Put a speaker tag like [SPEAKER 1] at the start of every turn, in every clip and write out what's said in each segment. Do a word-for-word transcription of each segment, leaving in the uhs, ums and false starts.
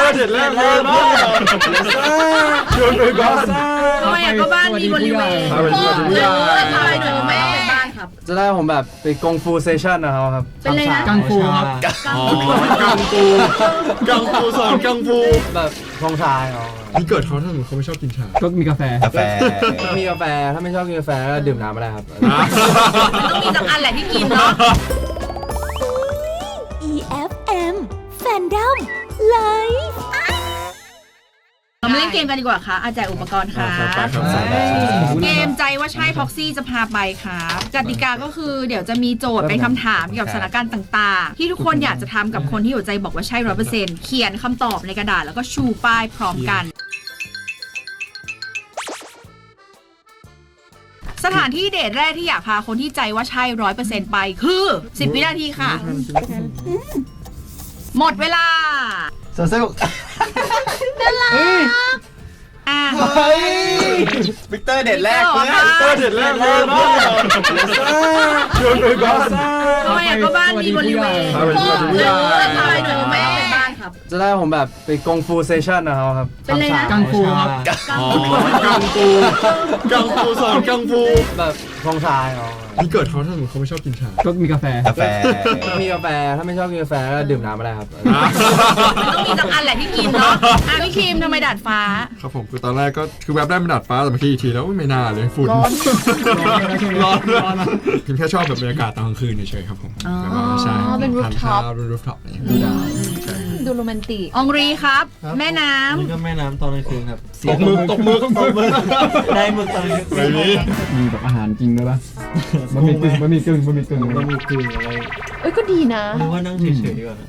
[SPEAKER 1] อเด็ดแรกเลยมากชวนไปบ้าน
[SPEAKER 2] ทำไมก็บ้านมีบริเวณพ่อเลยทำไมหนูแม่บ้านครับ
[SPEAKER 3] จะได้ผมแบบไปกงฟูเซชั่นนะครับ
[SPEAKER 2] เป็นอะไรนะ
[SPEAKER 4] กังฟูครับ
[SPEAKER 1] อ๋อกังฟูกังฟูสอนกังฟู
[SPEAKER 3] แบบพองชายอ๋อ
[SPEAKER 1] นี่เกิดเขาถ้าสมมติเขาไม่ชอบกินชา
[SPEAKER 4] ก็มีกาแฟ
[SPEAKER 3] กาแฟมีกาแฟถ้าไม่ชอบกินกาแฟก็ดื่มน้ำไม่ได้ครับ
[SPEAKER 2] มันต้องมีสักอันแหละที่กินเนาะ
[SPEAKER 5] อี เอฟ เอ็ม Fandom Live
[SPEAKER 2] เรามาเล่นเกมกันดีกว่าค่ะอาจารย์อุปกรณ์ค่ะเกมใจว่าใช่พ็อกซี่จะพาไปค่ะกติกาก็คือเดี๋ยวจะมีโจทย์เป็นคำถามเกี่ยวกับสถานการณ์ต่างๆที่ทุกคนอยากจะทำกับคนที่หัวใจบอกว่าใช่ร้อยเปอร์เซ็นต์เขียนคำตอบในกระดาษแล้วก็ชูป้ายพร้อมกันสถานที่เดทแรกที่อยากพาคนที่ใจว่าใช่ร้อยเปอร์เซ็นต์ไปคือสิบวินาทีค่ะหมดเวลา
[SPEAKER 3] สนุก
[SPEAKER 2] น่ารักอ่ะ
[SPEAKER 3] วิกเตอร์เด็ดแรก
[SPEAKER 2] วิกเตอร์เด็ดแรกเลยมาก
[SPEAKER 1] ชวนไปบ้าน
[SPEAKER 2] ทำไมก็บ้านมีบริเวณพ่อเลยทำไมหนูแม่บ้านครับ
[SPEAKER 3] จะได้ผมแบบไปกงฟูเซชั่นนะครับ
[SPEAKER 2] เป็นอะไรนะ
[SPEAKER 4] กังฟูครับ
[SPEAKER 1] อ๋อกังฟูกังฟูสอนกังฟู
[SPEAKER 3] แบบพองชายอ๋อ
[SPEAKER 1] นี่เกิดเขาถ้าสมมติเขาไม่ชอบกินชา
[SPEAKER 4] ก็มีกาแฟ
[SPEAKER 3] กาแฟมีกาแฟถ้าไม่ชอบกินกาแฟก็ดื่มน้ำไม่ได้ครับ
[SPEAKER 2] มันต้องมีสักอันแหละที่กินเนาะอ่ะพี่คิมทำไมดาดฟ้า
[SPEAKER 1] ครับผมคือตอนแรกก็คือแวบได้เป็นดาดฟ้าแต่เมื่อกี้อีกทีแล้วไม่น่าเลยฝุ่นร้อนร้อนร้อนคิมแค่ชอบแบบบรรยากาศตอนกลางคืนเฉยๆครับผม
[SPEAKER 2] ใช่
[SPEAKER 6] เป็นรูฟท็อป
[SPEAKER 1] เป็นรูฟท็อปนี่
[SPEAKER 6] ดูดาวดูโรแมนติก
[SPEAKER 2] องรีครับแม่น้ำ
[SPEAKER 7] นี่ก็แม่น้ำตอนกลางคืนครับ
[SPEAKER 1] ตกมือตกมือตกมือ
[SPEAKER 7] ได้หมึกตอนกลางคืน
[SPEAKER 4] มีแบบอาหารจริงด้วยป่ะมันมีกึ่งมันมีกึ่งมันมีกึ่ง
[SPEAKER 7] มันมีกึ่งอะไร
[SPEAKER 6] เอ้ยก็ดีนะ
[SPEAKER 7] หรือว่านั่งเฉยๆดีกว่า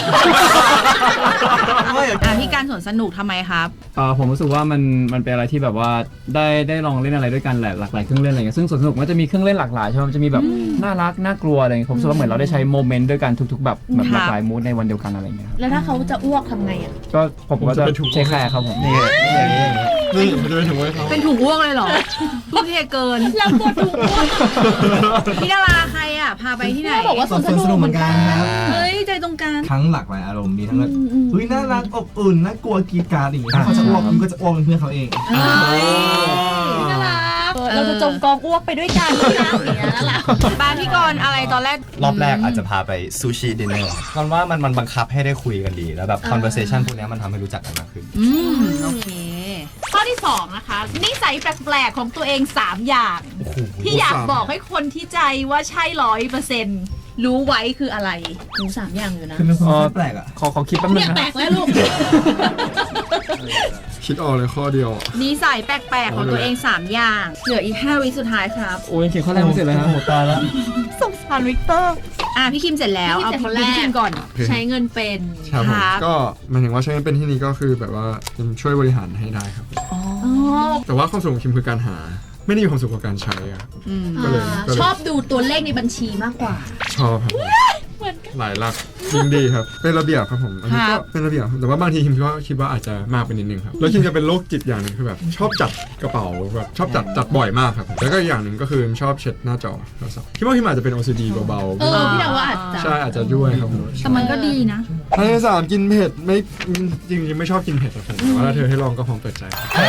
[SPEAKER 2] อ่ะพี่การสวนสนุกทำไมครับ
[SPEAKER 4] อ่าผมรู้สึกว่ามันมันเป็นอะไรที่แบบว่าได้ได้ลองเล่นอะไรด้วยกันแหละหลากหลายเครื่องเล่นอะไรเงี้ยซึ่งสวนสนุกมันจะมีเครื่องเล่นหลากหลายใช่ไหมมันจะมีแบบน่ารักน่ากลัวอะไรเงี้ยผมรู้สึกว่าเหมือนเราได้ใช้โมเมนต์ด้วยกันทุกๆแบบแบบหลากหลายมูดในวันเดียวกันอะไรเงี้ย
[SPEAKER 6] แล้วถ้าเขาจะอ้วกทำไงอ่ะ
[SPEAKER 4] ก็ผมก็จะใช้แคร์ครับผมนี่
[SPEAKER 1] นี่มันจะเป็นถุงไว้เขา
[SPEAKER 2] เป็นถุงอ้วกเลยเหรอทุ่มเทเกิน
[SPEAKER 6] แล้วตัวถุงอ้วก
[SPEAKER 2] พี่ดาราใครอ่ะพาไปที่ไหน
[SPEAKER 6] บอกว่าสวนสนุกเหมือนกัน
[SPEAKER 2] ครับเฮ้ยใจตรงกัน
[SPEAKER 8] ทั้งหลากหลายอารมณ์มีทั้งแบบเฮ้ยน่ารักอบอุ่นน่ากลัวกีดการ์ดอย่างงี้ถ้าเขาจะอ้วกมันก็จะอ้วกเป็นเพื่อนเขาเอง
[SPEAKER 6] น่ารักเราจะจมกองอ้วกไปด้วยกันนะอย่างเงี้ยน่ารัก
[SPEAKER 2] บ้านพี่กรณ์อะไรตอนแรก
[SPEAKER 3] รอบแรกอาจจะพาไปซูชิดินเนอร์เพราะว่ามันมันบังคับให้ได้คุยกันดีแล้วแบบ conversation พวกนี้มันทำให้รู้จักกันมากขึ้น
[SPEAKER 2] อืมโอเคข้อที่สองนะคะนิสัยแปลกๆของตัวเองสามอย่างที่อยากบอกให้คนที่ใจว่าใช่ร้อยเปอร์เซ็นต์รู้ไว้คืออะไรรู้สามอย่างอยู่นะ
[SPEAKER 8] คือเป็นคนแปลกอ่ะ
[SPEAKER 4] ขอขอคิดแป๊บนึงนะ
[SPEAKER 2] แปลกแล้วลูก
[SPEAKER 1] คิดออกเลยข้อเดียว
[SPEAKER 2] นิสัยแปลกๆของตัวเองสามอย่างเหลืออีกห้าวิสุดท้ายครับ
[SPEAKER 4] โอ้ยเขียนข้อแรกไม่เสร็จเลยครับ
[SPEAKER 8] โหตายแล้ว
[SPEAKER 6] สงสารวิกเตอร์
[SPEAKER 2] อ่ะพี่คิมเสร็จแล้วเอาพี่คิมก่อนใช้เงินเป็น
[SPEAKER 1] ครับก็หมายถึงว่าใช้เงินเป็นที่นี่ก็คือแบบว่าช่วยบริหารให้ได้ครับแต่ว่าความสุขของคิมคือการหาไม่ได้มีความสุขกับการใช้อ่ะ
[SPEAKER 2] ก็เลยชอบดูตัวเลขในบัญชีมากกว่า
[SPEAKER 1] ชอบครับหลายหลักจริงดีครับเป็นระเบียบครับผมอันนี้ก็เป็นระเบียบแต่ว่าบางทีคิมก็คิดว่าอาจจะมากไปนิดนึงครับแล้วคิมจะเป็นโรคจิตอย่างนึงคือแบบชอบจัดกระเป๋าแบบชอบจัดจัดบ่อยมากครับแล้วก็อย่างหนึ่งก็คือชอบเช็ดหน้าจอโทรศัพท์คิดว่าคิมอาจจะเป็น โอ ซี ดี เบาๆ
[SPEAKER 2] เออพี่ดาวว่าอาจจะ
[SPEAKER 1] ใช่อาจจะด้วยครับผม
[SPEAKER 2] แต่มันก็ดีนะ
[SPEAKER 1] อันที่สามกินเผ็ดไม่จริงๆไม่ชอบกินเผ็ดครับผมแต่ว่าถ้าเธอให้ลองก็พร้อมเปิดใจ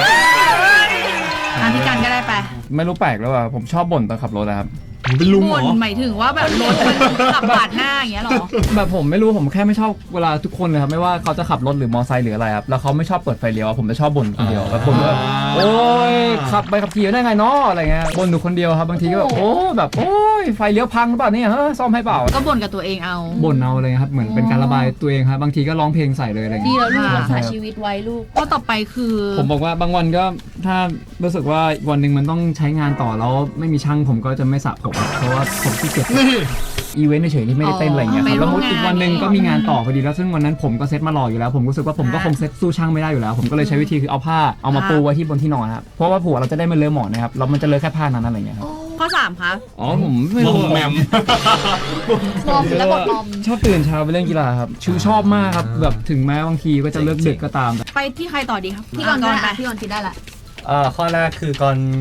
[SPEAKER 2] อ่ะพี่การก็ได้ไป
[SPEAKER 4] ไม่รู้แปลกแล้วอ่ะผมชอบบ่นตอนขับรถนะครับ
[SPEAKER 1] เป็นลุงเหรอ
[SPEAKER 2] หมายถึงว่าแบบรถมันขับปาดหน้าอย่างเงี้ยหรอ
[SPEAKER 4] แบบผมไม่รู้ผมแค่ไม่ชอบเวลาทุกคนเลยครับไม่ว่าเขาจะขับรถหรือมอเตอร์ไซค์หรืออะไรครับแล้วเขาไม่ชอบเปิดไฟเลี้ยวผมจะชอบบ่นคนเดียวแบบบ่นว่าโอ้ยขับไปขับขี่ได้ไงเนาะอะไรเงี้ยบ่นอยู่คนเดียวครับบางทีก็แบบโอ้แบบโอ้ยไฟเลี้ยวพังหรือเปล่าเนี่ยฮะซ่อมให้เปล่า
[SPEAKER 2] ก็บ่นกับตัวเองเอา
[SPEAKER 4] บ่นเอาเลยครับเหมือนเป็นการระบายตัวเองครับบางทีก็ร้องเพลงใส่เลยอะไร
[SPEAKER 6] ดีแล้วลูกรักษาชีวิตไว้ลูก
[SPEAKER 2] ก็ต่อไปคือ
[SPEAKER 4] ผมบอกว่าบางวันก็ถ้ารู้สึกว่าวันหนึ่งมันต้องใช้งานต่อแล้วไม่มีช่างผมก็จะไม่สระผมเพราะว่าผมที่เก็บอีเวนต์เฉยๆที่ไม่ได้เต้นอะไรเงี้ยครับแล้วมุดอีกวันหนึ่งก็มีงานต่อพอดีแล้วซึ่งวันนั้นผมก็เซ็ตมารออยู่แล้วผมรู้สึกว่าผมก็คงเซ็ตสู้ช่างไม่ได้อยู่แล้วผมก็เลยใช้วิธีคือเอาผ้าเอามาปูไว้ที่บนที่นอนครับเพราะว่าผัวเราจะได้ไม่เลอะหมอนนะครับแล้วมันจะเลอะแค่ผ้านั้นอะไรเงี้ยครับ
[SPEAKER 2] ข้อสามครับ
[SPEAKER 4] อ๋อผมไม่รู้
[SPEAKER 1] แมม
[SPEAKER 6] มอมแล้วก็มอม
[SPEAKER 4] ชอบตื่นเช้าไปเล่นกีฬาครับชื่อชอบมากครับแบบถึงแม้บางทีก็จะเลิกดึกก็ตาม
[SPEAKER 2] ไปที่ใครต่อดีครับ
[SPEAKER 6] พี่กรณ์ได้พี่กรณ์คิดได้ละ
[SPEAKER 3] เอ่อข้อแรกคือก่อน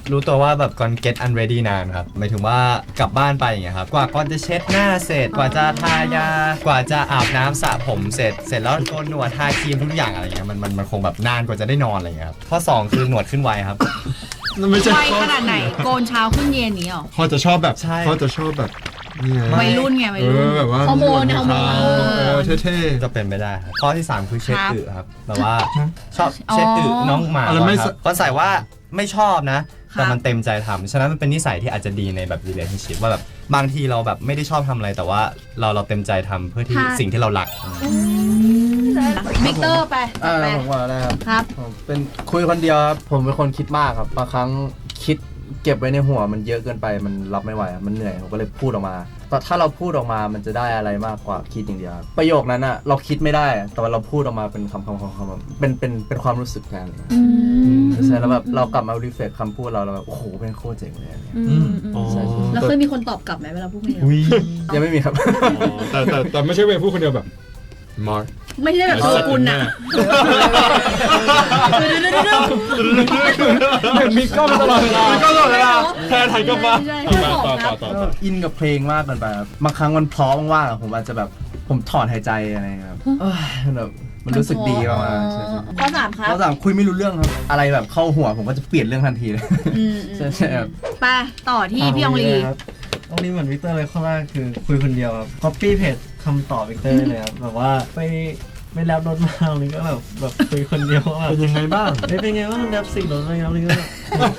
[SPEAKER 3] รู้ตัวว่าแบบก่อน get unready นานครับหมายถึงว่ากลับบ้านไปอย่างเงี้ยครับกว่าก่อนจะเช็ดหน้าเสร็จกว่าจะทายากว่าจะอาบน้ำสระผมเสร็จเสร็จแล้วโกนหนวดทาครีมทุกอย่างอะไรเงี้ยมันมันมันคงแบบนานกว่าจะได้นอนอะไรเงี้ยครับข้อสองคือหนวดขึ้นไวครับ
[SPEAKER 1] ไม่ใช่
[SPEAKER 2] ไวขนาดไหนโกนเช้าขึ้นเย็นนี้หรอ
[SPEAKER 1] เขาจะชอบแบบ
[SPEAKER 3] ใช่
[SPEAKER 1] เขาจะชอบแบบนี่ไง
[SPEAKER 2] วัยรุ่นไงวัย
[SPEAKER 1] เอ
[SPEAKER 2] รุ่น
[SPEAKER 1] อแบบว่า
[SPEAKER 6] ฮอร์โมนฮอร์โมน
[SPEAKER 1] เออเท่ๆ
[SPEAKER 3] ก็เป็นไม่ได้ครับข้อที่สามคือเช็ด
[SPEAKER 2] ครับ
[SPEAKER 3] อึครับแบบว่าชอบ
[SPEAKER 2] อ๋อ
[SPEAKER 3] เช็ดอึน้องหมา
[SPEAKER 1] อะไรไม่
[SPEAKER 3] ครับก็ใส่ว่าไม่ชอบนะ แต่
[SPEAKER 2] ครับ
[SPEAKER 3] มันเต็มใจทำฉะนั้นมันเป็นนิสัยที่อาจจะดีในแบบ relationship ว่าแบบบางทีเราแบบไม่ได้ชอบทำอะไรแต่ว่าเราเราเต็มใจทำเพื่อที่
[SPEAKER 6] ค่ะ
[SPEAKER 3] สิ่งที่เรารัก
[SPEAKER 2] วิกเตอร์ไป
[SPEAKER 9] อ่า
[SPEAKER 2] ไป
[SPEAKER 9] ผมว่าได้ครับ
[SPEAKER 2] ครับ
[SPEAKER 9] ผมเป็นคุยคนเดียวครับผมเป็นคนคิดมากครับบางครั้งคิดเก็บไว้ในหัวมันเยอะเกินไปมันรับไม่ไหวครับมันเหนื่อยผมก็เลยพูดออกมาแต่ถ้าเราพูดออกมามันจะได้อะไรมากกว่าคิดอย่างเดียวครับประโยคนั้นอะเราคิดไม่ได้แต่ว่าเราพูดออกมาเป็นคำคำคำคำเป็นเป็นเป็นความรู้สึกแทนเลยครับใช่แล้วแบบเรากลับมารีเฟล็กคำพูดเราแล้วแบบโอ้โหเป็นโคตรเจ๋งเลยอะไรเงี้ย
[SPEAKER 6] อืม
[SPEAKER 1] อ๋อ
[SPEAKER 6] แล้วเคยมีคนตอบกลับไหมเวลาพูดคนเดียว
[SPEAKER 9] ยังไม่มีครับ
[SPEAKER 1] แต่แต่แต่ไม่ใช่เวย์พูดคนเดียวแบบมาร์ค
[SPEAKER 2] ไม่ใช่แบบโชกุนอะ
[SPEAKER 4] มีกล้องตลอดเวลา
[SPEAKER 1] ก็ตลอดเวลาแทนไทยก็มา
[SPEAKER 6] ใช่
[SPEAKER 1] ต่อต่อต่อต่อ
[SPEAKER 9] ก็อินกับเพลงมากเกินไปครับบางครั้งมันเพราะว่างๆอะผมอาจจะแบบผมถอนหายใจอะไรเงี้ยครับเอ้ยมันแบบมันรู้สึกดีมากๆใช่ใช่
[SPEAKER 6] ข้อสามครับ
[SPEAKER 9] ข้อสามคุยไม่รู้เรื่องครับอะไรแบบเข้าหัวผมก็จะเปลี่ยนเรื่องทันทีเลย
[SPEAKER 6] อืม
[SPEAKER 9] ใช่ใช่ครับ
[SPEAKER 2] ไปต่อที่พี่อองลี
[SPEAKER 7] ครับอองลีเหมือนวิกเตอร์เลยข้อแรกคือคุยคนเดียวครับ copy paste คำตอบวิกเตอร์ได้เลยครับแบบว่าไปไม่แรปรถมาอองลีก็แบบแบบคุยคนเดียวว่าแบบ
[SPEAKER 1] เป็นยังไงบ้าง
[SPEAKER 7] เฮ้ยเป็นไงว่างแรปสิ่งรถอะไรอองลีก็แบบ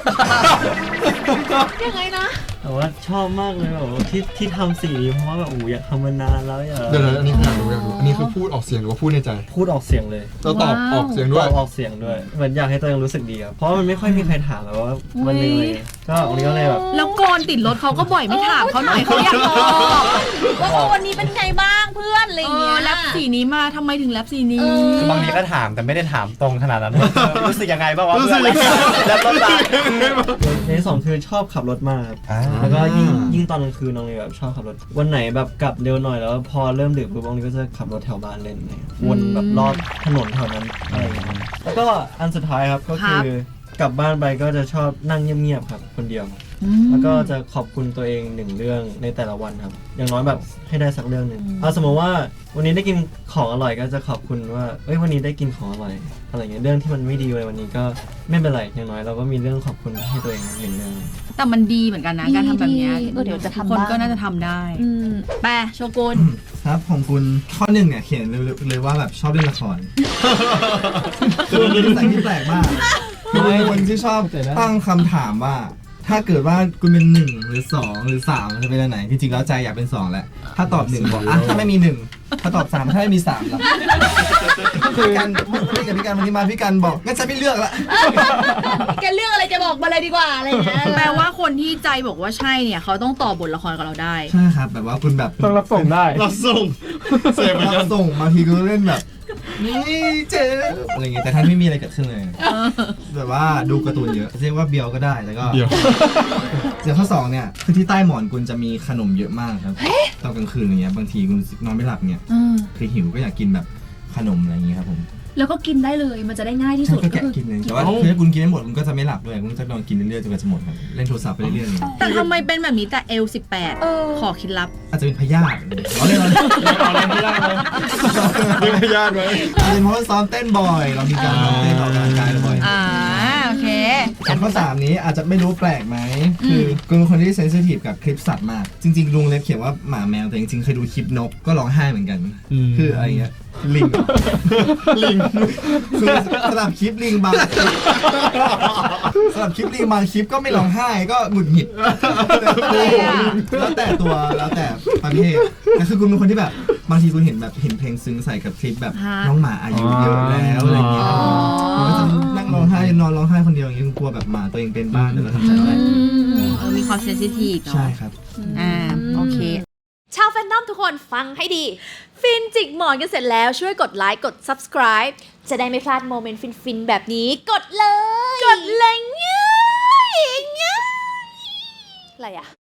[SPEAKER 6] ยังไงนะ
[SPEAKER 7] แต่ว่าชอบมากเลยแบบว่าที่ที่ทำสิ่งนี้เพราะว่าแบบโอ้โหอยากทำมานานแล้วอยาก
[SPEAKER 1] เดี๋ยวนะอันนี้อยากรู้อยากรู้อันนี้คือพูดออกเสียงหรือว่าพูดในใจ
[SPEAKER 7] พูดออกเสียงเลย
[SPEAKER 1] เราตอบออกเสียงด้
[SPEAKER 7] ต
[SPEAKER 1] ว
[SPEAKER 7] อย บออกเสียงด้วยเหมือนอยากให้ตัวเองรู้สึกดีครับเพราะมันไม่ค่อยมีใครถามแบบว่าวันหนึงเลยก็อองลีก็เลยแบบ
[SPEAKER 2] แล้วโกนติดรถเขาก็บ่อยไม่ถามเขาหน่อยเขาอยากบอก
[SPEAKER 6] ว่าเออวันนี้เป็นไงบ้างเพื่อนอะไรอ
[SPEAKER 2] เอย่าง
[SPEAKER 6] เงี้
[SPEAKER 2] อย แรปสีนี้มาทำไมถึงแรปสีนี้
[SPEAKER 6] เออ
[SPEAKER 3] คือบางทีก็ถามแต่ไม่ได้ถามตรงขนาดนั้น รู้สึกยังไงบ้างวะ
[SPEAKER 1] รู้
[SPEAKER 3] เพื่
[SPEAKER 1] สึ
[SPEAKER 3] อก น
[SPEAKER 1] ยังไง
[SPEAKER 3] แล้วรถลา
[SPEAKER 7] ในที่สองคือชอบขับรถมากครับ
[SPEAKER 3] อ่า
[SPEAKER 7] แล้วก็ยิ่งยิ่งตอนกลางคืนน้องเลยแบบชอบขับรถ วันไหนแบบกลับเร็วหน่อยแล้วพอเริ่มดึกปุ๊บน้องเลยก็จะขับรถแถวบ้านเล่นเลยวนแบบรอบถนนแถวนั้นอะไรอย่างเงี้ยครับแล้วก็อันสุดท้ายครับก็คือกลับบ้านไปก็จะชอบนั่งเงียบๆครับคนเดียว แล้วก็จะขอบคุณตัวเองหนึ่งเรื่องในแต่ละวันครับ อย่างน้อยแบบให้ได้สักเรื่องหนึ่งเอาสมมติว่าวันนี้ได้กินของอร่อยก็จะขอบคุณว่าเอ้ยวันนี้ได้กินของอร่อยอะไรเงี้ยเรื่องที่มันไม่ดีเลยวันนี้ก็ไม่เป็นไรอย่างน้อยเราก็มีเรื่องขอบคุณให้ตัวเองหนึ่งเรื่อง
[SPEAKER 2] แต่มันดีเหมือนกันนะการทำแบบเนี้ย
[SPEAKER 6] ดีเออเดี๋ยวจะทำ
[SPEAKER 2] คน
[SPEAKER 6] บ้าง
[SPEAKER 2] ก็น่าจะทำได้
[SPEAKER 6] อืม
[SPEAKER 2] ไปโชกุน
[SPEAKER 8] ครับของคุณข้อหนึ่งเนี่ยเขียนเลยเลยว่าแบบชอบเล่นละครคือมันเป็นนิสัยที่แปลกมากคือเป็นคนที่ชอบตั้งคำถามว่า ถ้าเกิดว่าคุณเป็นหนึ่งหรือสองหรือสามจะเป็นอันไหนจริงๆแล้วใจอยากเป็นสองแหละถ้าตอบหนึ่งบอกอ่ะถ้าไม่มีหนึ่งถ้าตอบสามถ้าไม่มีสามล่ะพี่กันพี่กับพี่กันวันนี้มาพี่กันบอกงั้นฉันไม่เลือกละ
[SPEAKER 6] แกเรื่องอะไรจะบอกมาเลยดีกว่าอะไรอย่างเงี้ย
[SPEAKER 2] แปลว่าคนที่ใจบอกว่าใช่เนี่ยเขาต้องต่อบทละครกับเราได้
[SPEAKER 8] ใช่ครับแบบว่าคุณแบบ
[SPEAKER 4] ต้องรับส่งได้
[SPEAKER 1] เราส่งเสียเหมือนกั
[SPEAKER 8] เรา
[SPEAKER 1] น
[SPEAKER 8] ส่งบางทีก็เล่นแบบนี่เจ๊อะไรเงี้ยแต่ท่านไม่มีอะไรเกิดขึ้นเลยแบบว่าดูการ์ตูนเยอะเรียกว่าเบียวก็ได้แล้วก็
[SPEAKER 1] เดี๋ยว
[SPEAKER 8] เดี๋ยวข้อสองเนี่ยคือที่ใต้หมอนคุณจะมีขนมเยอะมากครับตอนกลางคืนอย่างเงี้ยบางทีคุณนอนไม่หลับเนี่ยคือหิวก็อยากกินแบบขนมอะไรอย่างเงี้ยครับผม
[SPEAKER 6] แล้วก็กินได้เลยมันจะได้ง่ายที่
[SPEAKER 8] ใช่
[SPEAKER 6] สุด
[SPEAKER 8] ก็
[SPEAKER 6] ก็
[SPEAKER 8] แกะ
[SPEAKER 6] คือ
[SPEAKER 8] กินเลยแต่ว่าคือถ้าคุณกินไม่หมดคุณก็จะไม่หลับด้วยคุณจะนอนกินเรื่อยๆจนกว่าจะหมดครับเล่นโทรศัพท์ไปเรื่อยๆอย่างเงี้ย
[SPEAKER 2] แต่ทำไมเป็นแบบนี้แต่เอลสิบแปด
[SPEAKER 6] เออ
[SPEAKER 2] ขอเคล็ดลับ
[SPEAKER 8] อาจจะเป็นพยาธิเราเล่นเราเล่น
[SPEAKER 1] เอาเล่นไม่ได้เลยเล่นไม่ยากเลย
[SPEAKER 8] อาจจะเป็นเพราะว่าซ้อมเต้นบ่อย เรามีการซ้อมเต้นออกกำลังกายบ่อย
[SPEAKER 2] อ่าโอเค
[SPEAKER 8] ส่วนข้อสามนี้อาจจะไม่รู้แปลกไหมคือคุณเป็นคนที่เซนซิทีฟกับคลิปสัตว์มาก จริงๆลุงเล็บเขียนว่าหมาแมวแต่จริงๆเคยดูคลิปนกก็ร้องไห้เหมือนกัน คืออะไรเงี้ยลิง
[SPEAKER 1] ลิง
[SPEAKER 8] คือสำหรับคลิปลิงบางสำหรับคลิปลิงบางคลิปก็ไม่ร้องไห้ก็หงุดหงิดแล้วแต่ตัวแล้วแต่ประเภทแต่คือคุณเป็นคนที่แบบบางทีคุณเห็นแบบเห็นเพลงซึ้งใส่กับคลิปแบบ
[SPEAKER 2] ฮะ
[SPEAKER 8] น้องหมาอายุเยอะแล้วอะไรเงี้ยคุณก็จะนั่งร้องไห้นอนร้องไห้คนเดียวอย่างเงี้ยคุณกลัวแบบหมาตัวเองเป็นบ้านเดี๋ยวเราทำใจไม่ได้
[SPEAKER 2] เออมีความเซนซิทีฟเนาะ
[SPEAKER 8] ใช่ครับ
[SPEAKER 2] อ่าโอเค
[SPEAKER 5] ชาวแฟนนอมทุกคนฟังให้ดี ฟินจิกหมอนกันเสร็จแล้วช่วยกดไลค์กด subscribe จะได้ไม่พลาดโมเมนต์ฟินๆแบบนี้กดเลย กดเลยง่ายง่ายอะไรอะ